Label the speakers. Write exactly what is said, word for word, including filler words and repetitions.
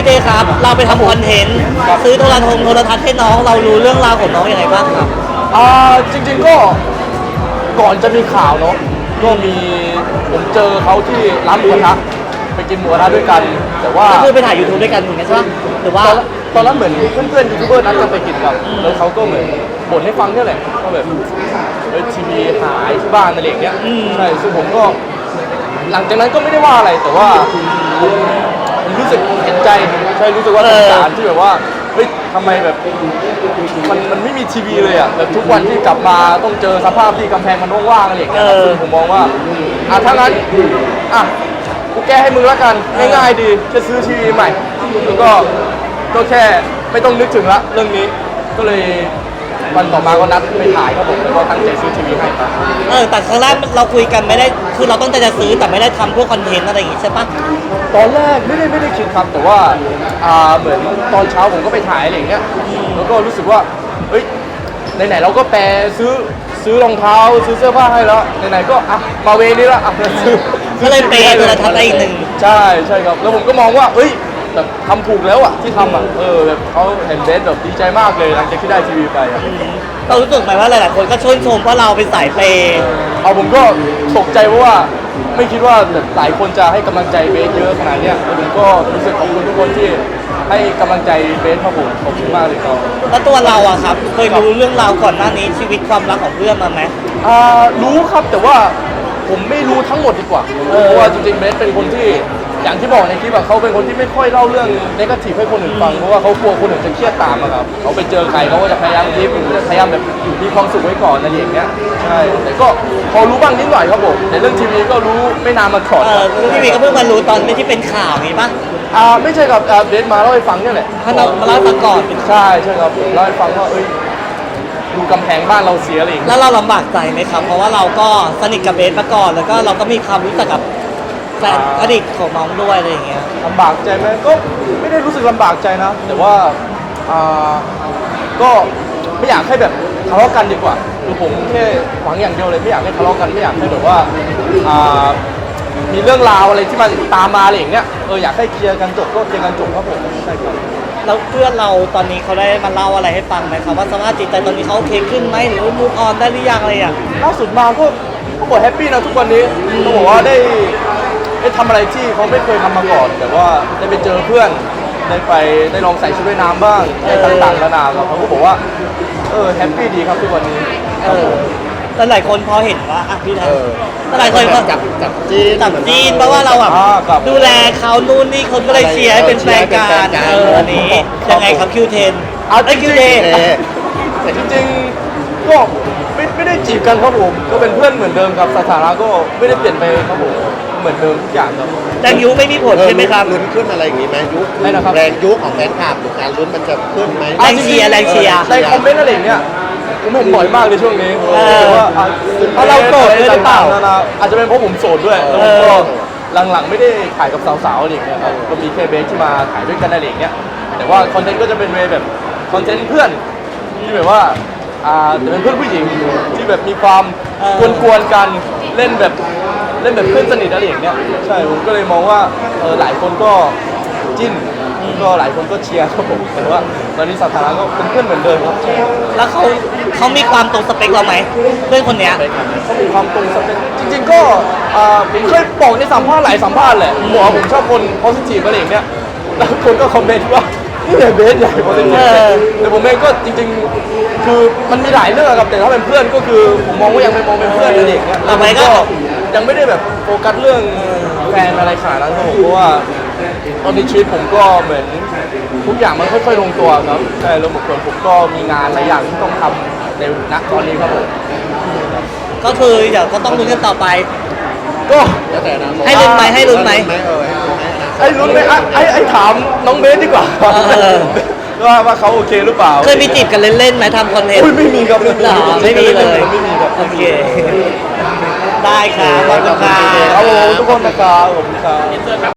Speaker 1: เจครับเราไปทำคอนเทนต์ซื้อโทรทัศน์โทรทัศน์ให้น้องเรารู้เรื่องราวของน้องยังไงบ้างครับ
Speaker 2: อ่าจริงๆก็ก่อนจะมีข่าวเนาะก็มีผมเจอเขาที่ร้านหมูกระทะไปกินหมูกระทะด้วยกัน แต่ว่า
Speaker 1: ก็คือไปถ่ายยูทูบด้วยกันถูกไหมใช่ไหมหรือว่า
Speaker 2: ตอนนั้นเหมือนเพื่อนๆยูทูบเบอร์นัดกันไปกินกันแล้วเขาก็เหมือนบ่นให้ฟังนี่แหละว่าแบบเออทีวีหายที่บ้านอะไรอย่างเงี้ยใช่ซึ่งผมก็หลังจากนั้นก็ไม่ได้ว่าอะไรแต่ว่าผมรู้สึกเห็นใจใช่รู้สึกว่าสงสารที่แบบว่าเฮ้ยทำไมแบบมันมันไม่มีทีวีเลยอ่ะแบบทุกวันที่กลับมาต้องเจอสภาพที่กำแพงมันว่างๆอะไรอย่างเงี้ยซึ่งผมมองว่าอ่ะถ้างั้นอ่ะกูแก้ให้มึงละกันง่ายๆดีแค่ซื้อทีวีใหม่แล้วก็ก็แค่ไม่ต้องนึกถึงละเรื่องนี้ก็เลยวันต่อมาก็นัดไปถ่ายครับผมแล้วก็ตั้งใจซื้อทีวีให้ครับ
Speaker 1: เออแต่ครั้งแรกเราคุยกันไม่ได้คือเราต้องใจจะซื้อแต่ไม่ได้ทำพวกคอนเทนต์อะไรอย่างงี้ใช่ปะ
Speaker 2: ตอนแรกไม่ได้ไม่ได้คิดครับแต่ว่าอ่าเหมือนตอนเช้าผมก็ไปถ่ายอะไรอย่างเงี้ยแล้วก็รู้สึกว่าเฮ้ยไหนๆเราก็แปรซื้อซื้อรองเท้าซื้อเสื้อผ้าให้แล้วไหนๆก็อ่ะมาเวนี้ละอ่ะซื้อ
Speaker 1: ก็เลยเปย์ตัวละทัศน์ได้อีกหนึ่ง
Speaker 2: ใช่ใช่ครับแล้วผมก็มองว่าเอ้ยแบบทำถูกแล้วอ่ะที่ทำอ่ะเออแบบเขาเห็นเบสแบบดีใจมากเลยหลังจากที่ได้ทีวีไปอ่ะ
Speaker 1: เรารู้สึกไหมว่าหลายๆคนก็ชื่นชมว่าเราเป็นสายเปย์
Speaker 2: เอาผมก็ตกใจเพราะว่าไม่คิดว่าหลายคนจะให้กำลังใจเบสเยอะขนาดนี้แล้วผมก็รู้สึกขอบคุณทุกคนที่ให้กำลังใจเบสครับผมขอบคุณมากเลยครับ
Speaker 1: แล้วตัวเราอะครับเคยรู้เรื่องราวก่อนหน้านี้ชีวิตความรักของเพื่อนมาไหม
Speaker 2: อ่ารู้ครับแต่ว่าผมไม่รู้ทั้งหมดดีกว่าเพราะว่าจริงๆเบสเป็นคนที่อย่างที่บอกในคลิปอะเขาเป็นคนที่ไม่ค่อยเล่าเรื่องเนกาทีฟให้คนอื่นฟังเพราะว่าเขากลัวคนอื่นจะเครียดตามอะครับเขาไปเจอใครเขาก็จะพยายามยิ้มพยายามแบบมีความสุขไว้ก่อนอะไรอย่างเงี้ยใช่แต่ก็พอรู้บ้างนิดหน่อยครับผมในเรื่องทีวีก็รู้ไม่นานมาก่อน
Speaker 1: เออทีวีก็เพิ่งมารู้ตอนที่เป็นข่าวนี้ปะ
Speaker 2: อ่าไม่ใช่ครับเบสมาเล่าให้ฟังนี่แหละ
Speaker 1: ถ้าเรามาเล่าให้ฟังก่อน
Speaker 2: ใช่ใช่ครับเล่าให้ฟังว่าเอ้ยดูกำแพงบ้านเราเสียอะไรอย่างเงี้ย
Speaker 1: แล้วเราลำบากใจไหมครับเพราะว่าเราก็สนิทกับเบสมาก่อนแล้วก็เราก็มีความรู้จักกับแฟนอดีตของน้องด้วยอะไรอย่างเงี้ย
Speaker 2: ลำบากใจไหมก็ไม่ได้รู้สึกลำบากใจนะแต่ว่าอ่าก็ไม่อยากให้แบบทะเลาะกันดีกว่าคือผมแค่หวังอย่างเดียวเลยไม่อยากให้ทะเลาะกันไม่อยากให้แบบว่าอ่ามีเรื่องราวอะไรที่มันตามมาอะไรอย่างเงี้ยเอออยากให้เคลียร์กันจบก็เคลียร์กันจบครับผมใช่ครับ
Speaker 1: แล้วเพื่อนเราตอนนี้เขาได้มาเล่าอะไรให้ฟังไหมครับว่าสภาพจิตใจตอนนี้เขาโอเคขึ้นไหมหรือมูฟออนได้หรือยังอะไรอย่าง
Speaker 2: ล่าสุดมาก็ก็บอกแฮปปี้นะทุกวันนี้ต้องบอกว่าได้ได้ทำอะไรที่เขาไม่เคยทำมาก่อนแต่ว่าได้ไปเจอเพื่อนได้ไปได้ลองใส่ชุดว่ายน้ำบ้างได้ต่างๆนานาครับเขาก็บอกว่าเออแฮปปี้ดีครับทุกวันนี้
Speaker 1: เออแต่หลายคนพอเห็นว่าอ่ะพี่นะแต่หลายคน
Speaker 3: จับจับจีน
Speaker 1: จับจีนเพราะว่าเราแบบดูแลเขานู่นนี่คนก็เลยเชียร์ให้เป็นแฟนกันเอออันนี้ยังไงครับคิวเทน
Speaker 2: เอา
Speaker 1: คิวเทน
Speaker 2: แต่จริงๆก็ไม่ไม่ได้จีบกันครับผมก็เป็นเพื่อนเหมือนเดิมครับสถานะก็ไม่ได้เปลี่ยนไปครับผมเหมือนเดิมทุกอย่างครับ
Speaker 1: แรงยุไม่มีผลใช่ไหมครับ
Speaker 3: ลุ้นขึ้นอะไรอย่างงี้ไหมยุ
Speaker 2: ไม่นะครับ
Speaker 3: แรงยุของแฟนคลับหรือการลุ้นมันจะขึ้นไหม
Speaker 1: แรงเชียร์แรงเชียร์
Speaker 2: ในคอมเมนต์อะไรอย่างเงี้ยผมเห็นบ่อยมากในช่วงนี้ว่า
Speaker 1: เพราะเราโสดด้วยหรือเปล่า
Speaker 2: อาจจะเป็นเพราะผมโสดด้วยแล้วก็หลังๆไม่ได้ถ่ายกับสาวๆอะไรอย่างเงี้ยครับก็มีแค่เบสที่มาถ่ายด้วยกันอะไรอย่างเงี้ยแต่ว่าคอนเทนต์ก็จะเป็นเวแบบคอนเทนต์เพื่อนที่แบบว่าอ่าแต่เป็นเพื่อนผู้หญิงที่แบบมีความกวนๆกันเล่นแบบเล่นแบบเพื่อนสนิทอะไรอย่างเงี้ยใช่ผมก็เลยมองว่าเออหลายคนก็จิ้นก็หลายคนก็เชียร์ครับผมแต่ว่าตอนนี้สถานะก็เป็นเพื่อนเหมือนเดิมครับ
Speaker 1: แล้วเขาเขามีความตรงสเปคเราไหมเพื่อนคนเนี้ย
Speaker 2: เขามีความตรงสเปคจริงๆก็ผมเคยบอกในสัมภาษณ์หลายสัมภาษณ์แหละบอกว่าผมชอบคน positive อะไรอย่างเงี้ยแล้วคนก็คอมเมนต์ว่านี่เนี่ยเบสใหญ่ positive แต่ผมเองก็จริงๆคือมันมีหลายเรื่องครับแต่ถ้าเป็นเพื่อนก็คือผมมองว่ายังเป็นมองเป็นเพื่อนอะไรอย่างเงี้ย
Speaker 1: ทำไมก็
Speaker 2: ยังไม่ได้แบบโฟกัสเรื่องแฟนอะไรขนาดนั้นครับผมเพราะว่าตอนนี้ชีวิตผมก็เหมือนทุกอย่างมันค่อยๆลงตัวครับใช่แล้วบางคนผมก็มีงานหลายอย่างที่ต้องทำในณตอนนี้ครับผม
Speaker 1: ก็คือเดี๋ยวก็ต้องลุ้นกันต่อไป
Speaker 2: ก็
Speaker 1: ให้ลุ้นไหมให้ลุ้นไหม
Speaker 2: ให้ลุ้นไหมไอ้ไอ้ถามน้องเบสดีกว่าว่าว่าเขาโอเคหรือเปล่า
Speaker 1: เคยมีจีบกันเล่นๆไหมทำคอนเทนต์
Speaker 2: ไม่มีครับ
Speaker 1: ไม่มีเลย
Speaker 2: ไม่มีครับ
Speaker 1: โอเคได้ครับขอบคุณครับ
Speaker 2: ครับผมทุกคนนะครับผมครับ